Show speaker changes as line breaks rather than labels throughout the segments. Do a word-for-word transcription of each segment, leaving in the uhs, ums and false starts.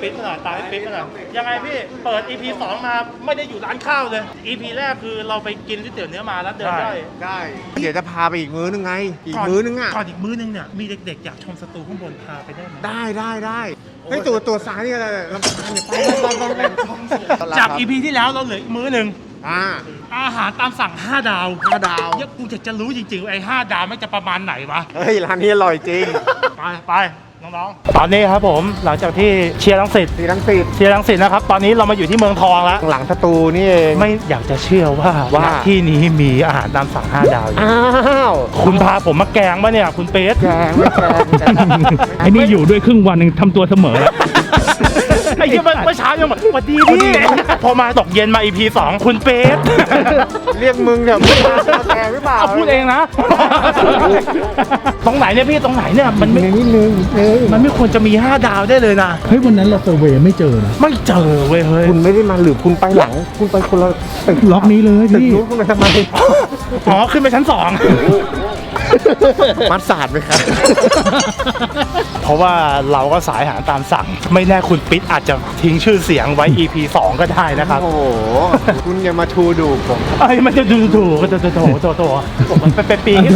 ปิ๊ดมาหน่อยตามให้ปิ๊ดมาหน่อยยังไงพี่เปิด อี พี สองมาไม่ได้อยู่ร้านข้าวเลย อี พี แรกคือเราไปกินก๋วยเตี๋ยวเนื้อมาแล้วเดินได้
ได้เดี๋ยวจะพาไปอีกมื้อนึงไงอีกมื้อนึงอ่ะ
ก่อนอีกมื้อนึงเนี่ยมีเด็กๆอยากชมสตูข้างบนพาไปได้ไหม
ได้ได้ได้เฮ้ยตัวตัวซ้ายนี่อะไรลำพังเนี่ยไปไปไปไป
จาก อี พี ที่แล้วเราเหลืออีกมื้อนึง
อ่า
อาหารตามสั่งห้าดาว
ห้าดาว
เนี่ยกูอยากจะรู้จริงๆไอ้ห้าดาวไม่จะประมาณไหนวะ
เฮ้ยร้านนี้อร่อยจริง
ไปไปน้องๆตอนนี้ครับผมหลังจากที่เชียร์รังสิต
ที่รังสิต
เชียร์รังสิตนะครับตอนนี้เรามาอยู่ที่เมืองทองแล้ว
หลังสตูนี่เอง
ไม่อยากจะเชื่อว่าว่าที่นี้มีอาหารตามสั่งห้าดาว
อ้าว
คุณพาผมมาแกงปะเนี่ยคุณเป๊ะ
แกงไม่แกง
ไอ้นี่อยู่ด้วยครึ่งวันนึงทำตัวเสมอแล้ว
ไอ้ที่เมื่อเช้ายังบอกสวัสดีพี่พอมาตกเย็นมา อี พี สองคุณเป๊ะ
เรียกมึงเนี่ยมึงมาแกงหรือเปล่า
พูดเองนะตรงไหนเนี่ยพี่ตรงไหนเนี่ยมันไม่
นิดนึง
มันไม่ควรจะมีห้าดาวได้เลยนะ
เฮ้ยวันนั้นเราเซอร์เวย์ไม่เจอนะ
ไม่เจอเว้ยเฮ้ย
คุณไม่ได้มาหรือคุณไปหลังคุณไปคนละตึก
ล็อกนี้เลย
ตึก
พี่
นู้นคุณไปทำไม
อ๋อขึ้นไปชั้นสอง
มัดสาดไหมครับ
เพราะว่าเราก็สายอาหารตามสั่งไม่แน่คุณปิ๊ดอาจจะทิ้งชื่อเสียงไว้ อี พี สองก็ได้นะครับ
โอ้โหคุณอย่ามาทูดูผม
ไอ้มันจะดูถูกก็จะโถโถโถผมมันเป็นปีนี่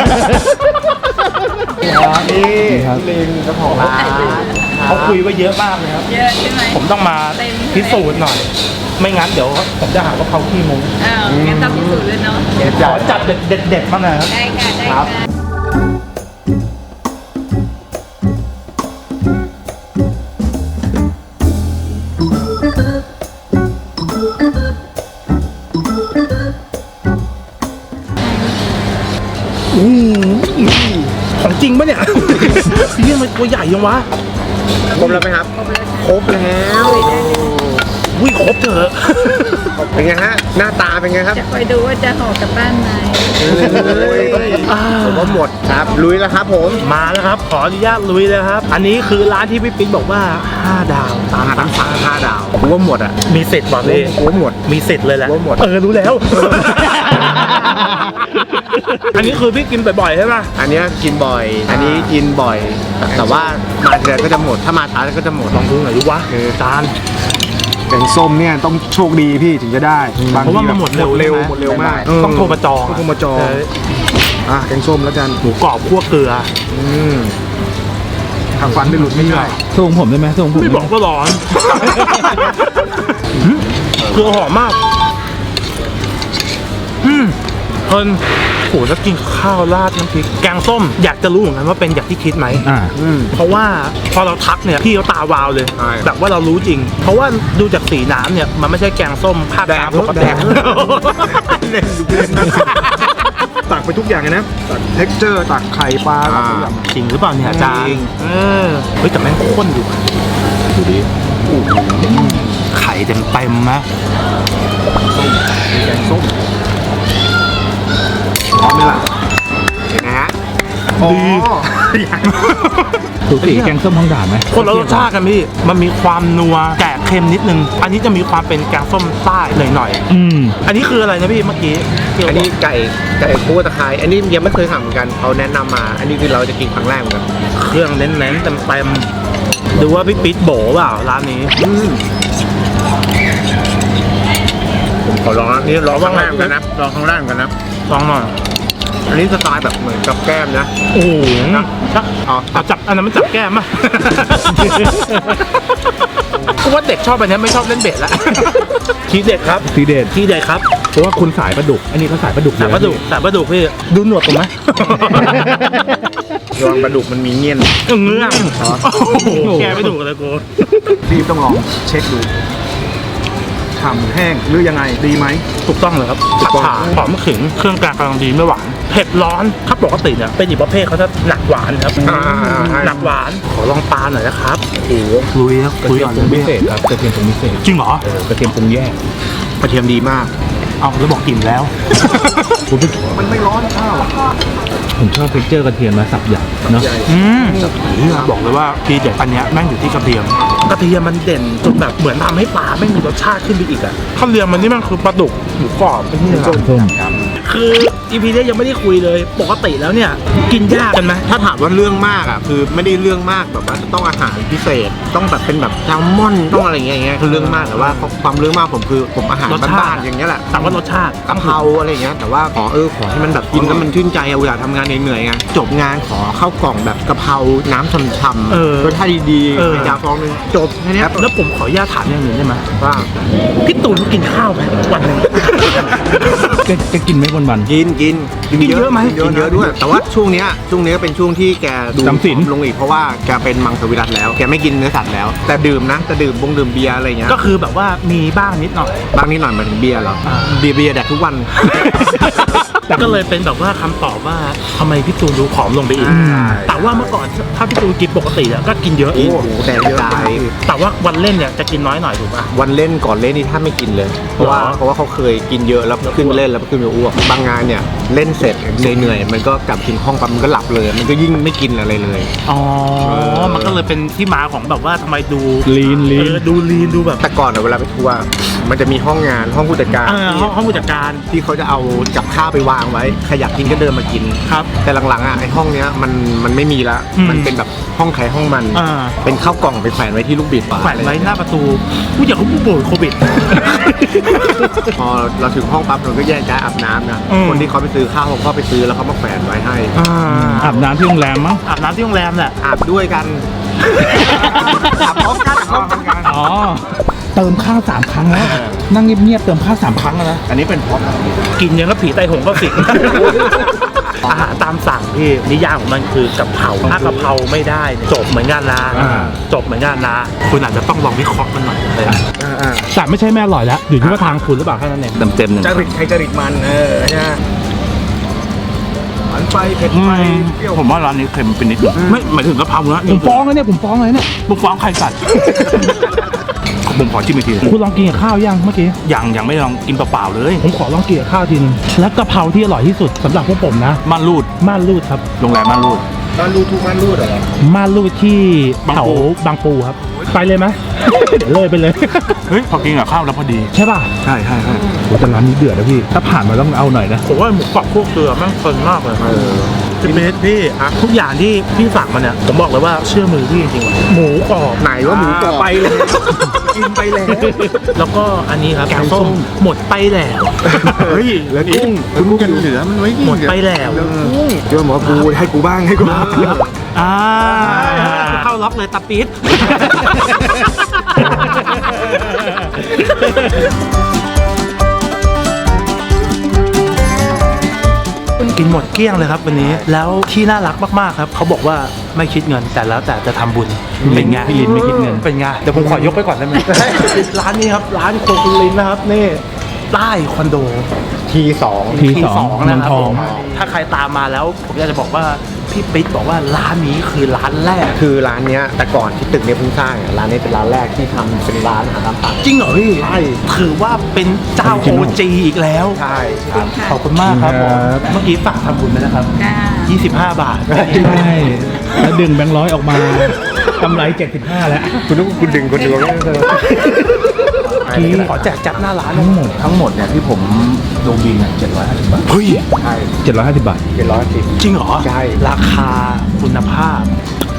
ลิงเจ้าของร้าน
เขาคุยไว้เยอะมากเลยครับ
เยอะใช่ไหม
ผมต้องมาพิสูจน์หน่อยไม่งั้นเดี๋ยวผมจะหาว่าเขาขี้มุ้ง
อ้าวงั้นต้องพิสูจน์เลยเนาะ
ขอจัดเด็ดๆมาหน่อยครับ
ได้ค่ะได้ค่ะ
ของจริงปะเนี่ยพี่มันตัวใหญ่ยังวะ
ครบแล้วไหมครับครบแล้ว
วิ่งครบเถอะ
เป็นไงฮะหน้าตาเป็นไงครับ
จะคอยดูว่าจะห่อกลับบ้านไหม
ผมว่าหมดครับลุยแล้วครับผม
มาแล้วครับขออนุญาตลุยเลยครับอันนี้คือร้านที่พี่ปิ๊กบอกว่าห้าดาว
ตามตั้งสั่งห้าดาวผมว่าหมดอ่ะ
มีเสร็จบอกเลย
ผมว่าหมด
มีเสร็จเลยแหละ
ผมว่าหมด
เออรู้แล้วอันนี้คือพี่กินบ่อยๆใช่ไหม
อันนี้กินบ่อยอันนี้กินบ่อยแต่ว่ามาทีไรก็จะหมดถ้ามาช้าก็จะหมด
ลองดูหน่อยดูวะคือจาน
แกงส้มเนี่ยต้องโชคดีพี่ถึงจะได้
เพราะว่ามันหมดเร็ว
เร็วหมดเร็วมาก
ต้องโทรมาจอง
ต้องโทรมาจองอ่ะแกงส้มแล้วกัน
หมูกรอบคั่วเกลือ
อืมทำฟันไม่หลุดไม่ได้
ส่งผมได้ไหมส่งผม
ไม่บอกก็ร้อนคือหอมมากอืมเพลินโหแล้วกินข้าวราดน้ำพริกแกงส้มอยากจะรู้เหมือนกันว่าเป็นอย่างที่คิดไหม
อ่า
เพราะว่าพอเราทักเนี่ยพี่เขาตาวาวเลยแบบว่าเรารู้จริงเพราะว่าดูจากสีน้ำเนี่ยมันไม่ใช่แกงส้มภาคกลางปกติ
เล่นดูเล่นนะตักไปทุกอย่างเลยนะตักเท็กเจอร์ตักไข่ปลา
จริงหรือเปล่าเนี่ยอาจารย์เออเฮ้ยแต่แม่งข้นอยู่
ดูดิ
ไข่เต็มเต็มนะ
แกงส้มพร้อมไหมล่ะเห็นไหมฮะ
ดี
สูสีแกงส้มท้องด่านไหม
คนละรสชาติกันพี่มันมีความนัวแกะเค็มนิดนึงอันนี้จะมีความเป็นแกงส้มใต้หน่อย
ๆอืม
อันนี้คืออะไรนะพี่เมื่อกี้
อันนี้ไก่ไก่คั่วตะไคร้อันนี้ยังไม่เคยทำเหมือนกันเขาแนะนำมาอันนี้คือเราจะกินครั้งแรกเหมือนกัน
เครื่องเน้นๆเต็มๆดูว่าพี่ปิ๊ดโบเปล่าร้านนี้
ผมขอลองนี่ลองข้างล่างกันนะลองข้างล่างกันนะ
ลองหน่อย
อันนี้สไตล์แบบเหมือนกับแก้มนะ
โอ้โหจับเอาจับอันนั้นมันจับแก้มอ่ะเพราะว่าเด็กชอบอันนี้ไม่ชอบเล่นเบ็ดละทีเด็ดครับ
ทีเด็ด
ทีเด็ดครับ
เพราะว่าคุณสายปลาดุกอันนี้เขาสายปลาดุก
สายปลาดุกสายปลาดุกพี่ดูหนวดผมไหม
ระวังปลาดุกมันมีเงี้ยน
เงื้อแกไม่ดุเลยกู
พี่ต้องลองเช็คดูฉ่ำแห้งหรือยังไงดีไหม
ถูกต้องเลยครับผัดฉ่าหอมขิงเครื่องกลางกำลังดีไม่หวานเผ็ดร้อนถ้าปกติเนี่ยเป็นอีกประเภทเขาจะหนักหวานครับหนักหวานขอลองปลาหน่อยนะครับโอ้โหลุยครับ
กระเทียมปรุงพิเศษครับกระเทียมปรุงพิเศษ
จริงเหรอ
เออกระเทียมปรุงแยก
กระเทียมดีมาก
เอาแล้วบอกกลิ่นแล้ว
มันไม่ร้อนข้าว
ผมชอบเท็กเจอร์กระเทียมมาสับใหญ่เนาะ
อืมบอกเลยว่าทีเด็ดอันนี้แม่งอยู่ที่กระเทียมกระเทียมมันเด่นจนแบบเหมือนทำให้ปลาไม่มีรสชาติขึ้นไปอีกอะข้าวเรียงมันนี่มันคือปลาดุกหมูกรอบเป็นนี่ส้มคืออี พี นี้ยังไม่ได้คุยเลยปกติแล้วเนี่ยกินยากกันไหม
ถ้าถามว่าเรื่องมากอ่ะคือไม่ได้เรื่องมากแบบว่าต้องอาหารพิเศษ ต้องแบบเป็นแบบแซลมอนต้องอะไรเงี้ยอย่างเงี้ยคือเรื่องมากแต่ว่าความเรื่องมากผมคือผมอาหารบ้านๆอย่างเงี้ยแหละ
แต่ว่ารสชาติ
กะเพราอะไรเงี้ยแต่ว่าขอเออขอให้มันแบบกินแล้วมันชื่นใจอะเวลาทำงานเหนื่อยๆไงจบงานขอข้าวกล่องแบบกะเพราน้ำช่ำ
เออ
ๆรสชาติดีๆ
เออ
ไข่ดาวฟองนึงจบแค่เนี้ย
แล้วผมขออนุญาตถามอย่างหนึ่งได้ไหม
ว่า
พี่ตูนกินข้าวไหมวันหนึ่ง
แกแกกินไหมวันวัน
กินกิน
กินเยอะไหม
กินเยอะ
กินเย
เย
อะ
อะด้วย แต่ว่าช่วงเนี้ยช่วงเนี้ยเป็นช่วงที่แกดู
จำศีล
ผอมลงอีกเพราะว่าแกเป็นมังสวิรัติแล้วแกไม่กินเนื้อสัตว์แล้ว แต่ดื่มนะแต่ดื่มบงดื่มเบียร์อะไรเงี้ย
ก็คือแบบว่ามีบ้างนิดหน่อย
บางนิดหน่อยหมายถึงเบียร์เหรอ
อ่า
เบียร์เบียร์แดกทุกวัน
ก็เลยเป็นแบบว่าคำตอบว่าทำไมพี่ตูนดูผอมลงไปอีก
ใช่
แต่ว่าเมื่อก่อนถ้าพี่ตูนกินปกติอะก็กินเยอะ
โอ้โหแต่เยอะตาย
แต่ว่าวันเล่นเนี่ยจะกินน้อยหน่อยถูกป่ะ
วันเล่นก่อนเล่นนี่ถ้าไม่กินเลย เพราะว่า
หรอ
เพราะว่าเขาเคยกินเยอะแล้วขึ้นไปเล่นแล้วขึ้นไปอ้วกบางงานเนี่ยเล่นเสร็จเหนื่อยๆมันก็กลับถึงห้องปั๊บมันก็หลับเลย มันก็ยิ่งไม่กินอะไรเลย
อ๋อ
เออ
มันก็เลยเป็นที่มาของแบบว่าทำไมดู
ลีนลี
เอน อดูลีนดูแบบ
แต่ก่อนอะเวลาไปทัวร์มันจะมีห้องงานห้องผู้จัดการ
เออห้องห้องผู้จัดการ
ที่เขาจะเอากับข้าวไปวางไว้ใครอยากกินก็เดินมากิน
ครับ
แต่หลังๆอ่ะไอห้องเนี้ยมันมันไม่มีละ
อืม
มันเป็นแบบห้องใครห้องมัน
อ่า
เป็นข้าวกล่องไปแขวนไว้ที่ลูกบิด
แขวนไว้หน้าประตูผู้อยากเขาผู้ป่วยโควิด
พอเราถึงห้องปั๊บเราก็แยกย้ายอาบน้ำนะ
อืม
คนที่เขาไปซื้อข้าวเขาก็ไปซื้อแล้วเขามาแขวนไว้ให้
อ่า
อาบน้ำที่โรงแรมมั้ง
อาบน้ำที่โรงแรมแหละ
อาบด้วยกัน อาบพร้อมกันอาบพร้อมกัน
อ๋อ เติมข้าวสามครั้งแล้ว นั่งเงียบๆเติมข้าวสามครั้งแล้วนะ
อันนี้เป็นพร้อม
กินยังก็ผีไตหงก็สิง อาหารตามสั่งพี่นิยามของมันคือกะเพราถ้ากะเพราไม่ได้เนี่ยจบเหมือนกันนะ
อ่า
จบเหมือนกันนะ คุณอาจจะต้องลองวิเคราะห์มันหน่อยเลย
แต่ไม่ใช่แม่อร่อยแล้วอยู่ที่ว่าทางคุณหรือเปล่าแค่นั้นเอง
เต็มเต็มหนึ่ง
จริตใครจริตมันเออใช่ไหมหวานไปเผ็ดไปเปรี้ยว
ผมว่าร้านนี้เค็มเป็นนิดนึงไม่หมายถึงกะเพรานะ
ผมฟ้องเลยเนี่ยผมฟ้องเลยเนี่ย
มึงฟ้องใครสัตว์ ผมขอชิมอีกที
คุณลองกินกับข้าวยังเมื่อกี้
ยังยังไม่ลองกินเปล่าๆเลย
ผมขอลองกินกับข้าวทีนึงแล้วกะเพราที่อร่อยที่สุดสำหรับพวกผมนะ
ม่านรูด
ม่านรูดครับ
โรงแรมม่านรูด
มันรูดทุกมันรูดเหรอ
ม่านรูดที่
บาง
แถว
ปู
บางปูครับ ไปเลยไหม เดี๋ยวเลยไปเลย
เฮ้ยพอกินกับข้าวแล้วพอดี
ใช่ป่ะ
ใช่ใช่ใช่
โอ้แต่ร้านนี้เดือดนะพี่ ถ้าผ่านมาต้องเอาหน่อยนะ
ผมว่าหมูกรอบพวกเกลือแม่งเพลินมากเลยพี่เบสพี่ทุกอย่างที่พี่สั่งมาเนี่ยผมบอกเลยว่าเชื่อมือพี่จริงๆหมูกรอบ
ไหนว่าหมูกรอบไปเลยกินไปแล้ว
แล้วก็อันนี้ครับแกงส้มหมดไปแล้ว
เฮ้ยแล้วกุ้งคุณกุ้งเหลือมันไว้
หมดไปแล้ว
กุ้งเดี๋ยวหมอปูให้กูบ้างให้กูบ้าง
อ่าเข้าล็อกเลยตาปี๊ดกินหมดเกลี้ยงเลยครับวันนี้ แล้วที่น่ารักมากๆครับเขาบอกว่าไม่คิดเงินแต่แล้วแต่จะทำบุญเป็นไง
พี่ลินไม่คิดเงิน
เป็นไงเดี๋ยวผมขอยกไปก่อนได้ไหม ร้านนี้ครับร้านโคคุลินนะครับนี่ใต้คอนโด
ทีสอง
ทีสอง
นะครั
เมืองทอง
ผมถ้าใครตามมาแล้วผมอยากจะบอกว่าพี่ปิ๊กบอกว่าร้านนี้คือร้านแรก
คือร้านเนี้ยแต่ก่อนที่ตึกเนี้ยเพิ่งสร้างอ่ะร้านนี้เป็นร้านแรกที่ทำเป็นร้านอาหารตามสั่ง
จริงเหรอพี่
ใช่
ถือว่าเป็นเจ้าโอจีอีกแล้ว
ใช่ครับ
ขอบคุณมากครับผม
ครับ
เมื่อกี้ฝากทำบุญไปนะครับ
ค่ะ
ยี่สิบห้าบาท
ใช่ แล้วดึงแบงค์ร้อยออกมากำไรเจ็ดสิบห้าแล้ว
คุณต้องคุณดึงคนเดียวไม่ได้เลย
ที่
ขอแจกจับหน้าร้าน
ทั้งหมด
ทั้งหมดเนี่ยที่ผมลงบินเจ็ดร้อยห้าสิบบาท
เฮ้ย
ใช่
เจ็ดร้อยห้าสิบบาท
เจ็ดร้อยสิบ
จริงเหรอ
ใช่
ราคาคุณภาพ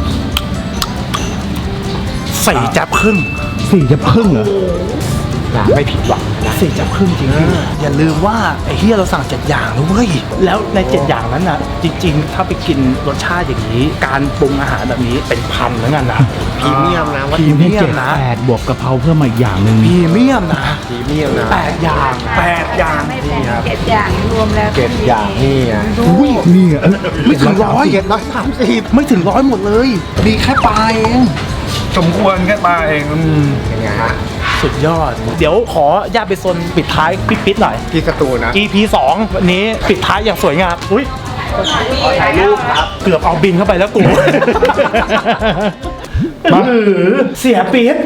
สี่จับครึ่ง
สี่จะพึ่งเหรอ
นะไม่ผิดหวังนะ
สี่จับครึ่งจริงพี่อย่าลืมว่าไอ้เฮียเราสั่งเจ็ดอย่างนะเว้ยแล้วในเจ็ดอย่างนั้นน่ะ จริง ๆ ถ้าไปกินรสชาติอย่างนี้ การปรุงอาหารแบบนี้เป็นพันเหมือนกันนะ
พรีเมียมนะว่า
พรีเมียม
เจ็ด
นะ
แปดบวกกะเพราเพิ่มมาอีกอย่างหนึ่ง
พรีเมียมนะ
พรีเมียมนะ
แปดอย่างแปดอย่าง
ไม่แพงเจ็ดอย่างรวมแล้ว
เจ็ดอย่างนี่อ่ะ
อุ้ยนี่อ่ะ
ไม่ถึงร้อย
เจ็ดร้อยสามสิบ
ไม่ถึงร้อยหมดเลย มีแค่ปลาเอง
สมควรแค่ปลาเอง
เป็นไงฮะ
สุดยอด เดี๋ยวขอญาตไปโซนปิดท้ายปิ๊ดๆหน่อย
ที่สตูนะ
อี พี สองวันนี้ปิดท้ายอย่างสวยงามอุ้ยขอถ่ายรูปครับ เกือบเอาบินเข้าไปแล้วกู
มา
เสียปี๊ด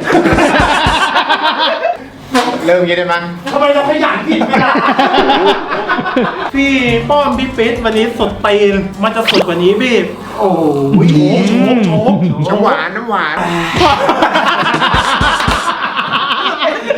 เริ่มอยังได้มั้ง
ทำไมเราขยันผิดไม่ได้ พี่ป้อมพี่ปิ๊ดวันนี้สดตีน มันจะสดกว่านี้พี่ โอ้ยโชกโชกโชก
น้ำหวานน้ำหวาน
ข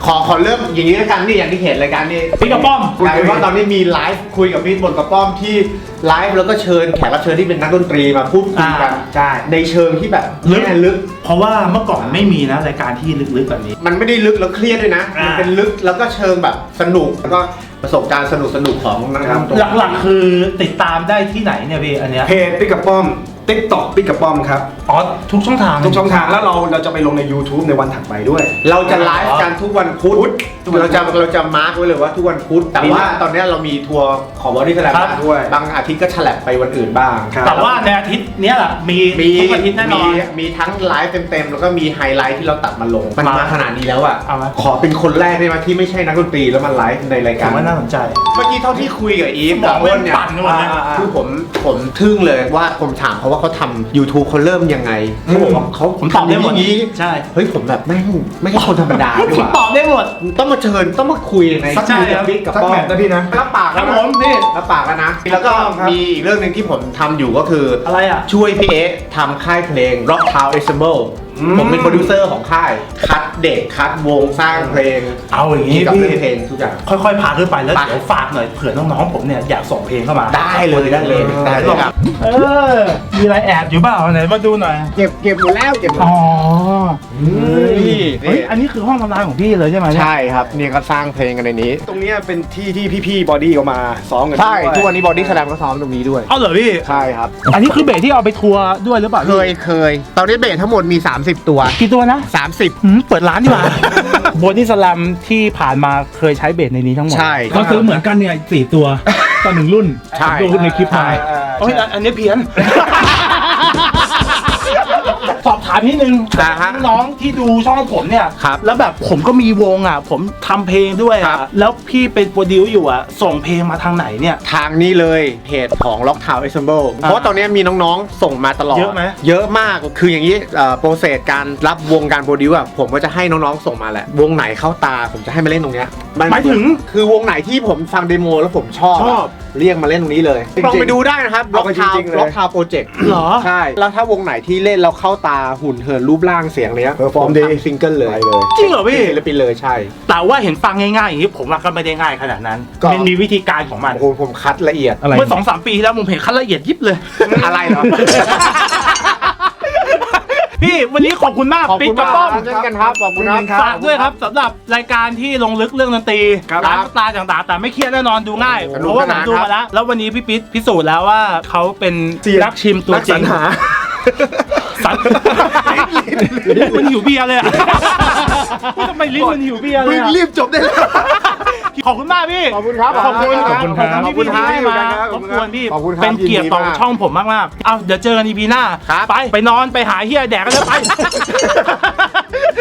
ขอขอเริ่มอย่างนี้แล้วกันนี่อย่างที่เห็นรายการนี่
พี่กระป้อม
กลายเป็นว่าตอนนี้มีไลฟ์คุยกับพี่บนกระป้อมที่ไลฟ์แล้วก็เชิญแขกรับเชิญที่เป็นนักดนตรีมาพูดคุยกัน
อ่าใช่
ในเชิงที่แบบ
ลึก
แง่ลึก
เพราะว่าเมื่อก่อนไม่มีนะรายการที่ลึกๆแบบนี้
มันไม่ได้ลึกแล้วเครียดด้วยนะ
อ่ามั
มันเป็นลึกแล้วก็เชิงแบบสนุกแล้วก็ประสบการณ์สนุกสนุกๆของนักดนตรี
หลักๆคือติดตามได้ที่ไหนเนี่ยพี่อันเนี้ย
เพจปิ๊กกับป้อมติ๊กต็อกปิ๊กกับป้อมครับ
อ๋อทุกช่องทาง
ทุกช่องทางแล้วเราเราจะไปลงใน YouTube ในวันถัดไปด้วย
เราจะไลฟ์กันทุกวันพุธ
ทุกวันพุธ
เราจะเราจะมาร์กไว้เลยว่าทุกวันพุธแต่ว่าตอนนี้เรามีทัวร์ของบอดี้สแลม
ครับ
ด้วยบางอาทิตย์ก็ฉลับไปวันอื่นบ้าง
ครับ
แต่ว่าในอาทิตย์เนี้ยแหละมี
มี
ทุกอาทิตย์แน่นอน
มีมีทั้งไลฟ์เต็มๆแล้วก็มีไฮไลท์ที่เราตัดมาลงมัน
มา
มาขนาดนี้แล้วอ่ะ
เอาไหม
ขอเป็นคนแรกได้ไหมที่ไม่ใช่นักดนตรีแล้วมาไลฟ์ในราย
ผ
การ
มว่าน่าสนใจ
เมื่อกี้เท่าที่คุยกับอีฟ
สม
กั
อบ ง
อ้นเนี่ย
ปั่นกันหมดเลย
อ่าๆคือผมผมทึ่งเลยว่าผมถามเขาว่าเขาทำ YouTube เขาเริ่มยังไงเขาบอกว่าเขา
ผมตอบได้หมด
ทำอย่างนี้
ใช่
เฮ้ยผมแบบแม่งไม่ใช่คนธรรมดาดี
ผ
ก
ม
ว่า
ตอบได้หมด
ต้องมาเชิญต้องมาคุยใน
สัก
ใช่
คุย
ครั
กับบ บิ๊กกับ
สัก
ป้อ
แม
ม
ตช์นะพี่นะ
รับปากแล้ว
ครับผมนี่
รับปากแล้วนะ แล้วก็
ครับ
มีอีกเรื่องหนึ่งที่ผมทำอยู่ก็คืออ
อะไรอ่ะ
ช่วยพี่เอ๊ะทำค่ายเพลง Rock Town Ensemble
อืม
ผมเป็นโปรดิวเซอร์ของค่าย คัดเด็กคัดวงสร้างเพลง
เอาอย่างนี้
เกี่ยวกับ
พี่
เรื่องเพลงทุกอย่าง
ค่อยๆพาขึ้นไปแล้ว
ไป
เดี๋ยวฝากหน่อยเผื่อน้องๆผมเนี่ยอยากส่งเพลงเข้ามา
ได้เลยได้เลยได้เลยครับ
เออมีอะไรแอบอยู่เปล่าไหนมาดูหน่อย
เก็บเก็บหมดแล้วเก็บหมด
อ๋อ
นี่
เฮ้ยอันนี้คือห้องทำงานของพี่เลยใช่ไหมเนี่ย
ใช่ครับเนี่ยก็สร้างเพลงกันในนี้
ตรงเนี้ยเป็นที่ที่พี่ๆบอดี้เขามาซ้อมกัน
ใช่
ด้วย
ทุกวันนี้บอดี้สแลมก็ซ้อมตรงนี้ด้วย
เอาเหรอพี่
ใช่ครับ
อันนี้คือเบสที่เอาไปทัวร์ด้วยหรือเปล่า
เคยเคยตอนนี้เบสทั้งหมดมี สามสิบ ตัว
กี่ตัวนะ
สามสิบ
หืมเปิดร้านดีกว่า โบดี้สลัมที่ผ่านมาเคยใช้เบสในนี้ทั้งหมด
ใช่
เขาซื้อเหมือนกันเนี่ยสี่ตัวต่อหนึ่งรุ่น
ใช่
ผมดูในคลิปมา
ใช่
โอ้ยอันนี้เพี้ยน สอบถามนิดนึง
อ่าฮะ
น้องที่ดูช่องผมเนี่ย
ครับ
แล้วแบบผมก็มีวงอ่ะ ผมทำเพลงด้วย
ครั
อ่ะ
บ
แล้วพี่เป็นโปรดิวซ์อยู่อ่ะ ส่งเพลงมาทางไหนเนี่ย
ทางนี้เลยเพจของ Rock Town Ensemble เพราะว่าตอนนี้มีน้องๆ ส่งมาตลอด
เยอะไหม
เยอะมากคืออย่างนี้โปรเซสการรับวงการโปรดิวอะผมก็จะให้น้องๆ ส่งมาแหละ วงไหนเข้าตาผมจะให้มาเล่นตรงเนี้ยน
หมายถึง
คือวงไหนที่ผมฟังเดโมแล้วผมชอบ
ชอบ
เรียกมาเล่นตรงนี้เลย
จริงๆ
ลองไปดูได้นะครับ
เอา
Rock
ไปจ
Town
ริงๆเลย
Rock Town Project
เหรอ
ใช่ แล้วถ้าวงไหนที่เล่นแล้วเข้าตาหุ่นเหินรูปร่างเสียงเนี้ย
Perform ดี
ผทำซิงเกิลเลย
ไปเลย
จริงเหรอพี่
ศิลปินเลยใช่
แต่ว่าเห็นฟังง่ายๆอย่างนี้ผมว่าก็ไม่ได้ง่ายขนาดนั้น
ก็
มันมีวิธีการของมัน
โอ้โหผมคัดละเอียด
อะไร
เมื่อสองสามปีที่แล้วผมเห็นขั้นละเอียดยิบเลย
อะไรเหรอ
พี่วันนี้ขอบคุณมาก
ขอบ
ปิ๊
คุ
ก
ณ
กระ
มาก
ป้อม
เช่นกันครับขอบคุณครับ
ฝากด้วยครับสำหรับรายการที่ลงลึกเรื่องดนตรี
ครับ
ร้านสไตล์ต่างๆ แต่ไม่เครียดแน่นอนดูง่าย
สนุ
เพ
ก
ราะว่าผม
สนาน
ดู
ครับ
มาแล้ว แล้ววันนี้พี่ปิ๊ดพิสูจน์แล้วว่าเขาเป็น
เซียน
นักชิมตัว
นัก
จริ
สรง รหา
สันลิ้นมันหิวเบียร์เลยอะทำไมลิ้นมันหิวเบียร์เลยอะ
รีบจบได้แล้ว
ขอบคุณมากพี่
ขอบคุณครับ
ขอบคุณ
ขอบคุณครับ
ที่พี่ให้มา
ข
ข
อ
อ
บบ คุ
คุณ ณ
ครับ
พี่
ขอบคุณครับ
เป็นเกียรติต่อ
ยินดีมาก
ช่องผมมากๆเอาเดี๋ยวเจอกันอีพีหน้า
ครับ
ไปไปนอนไปหาเฮียแดกกันเลยไป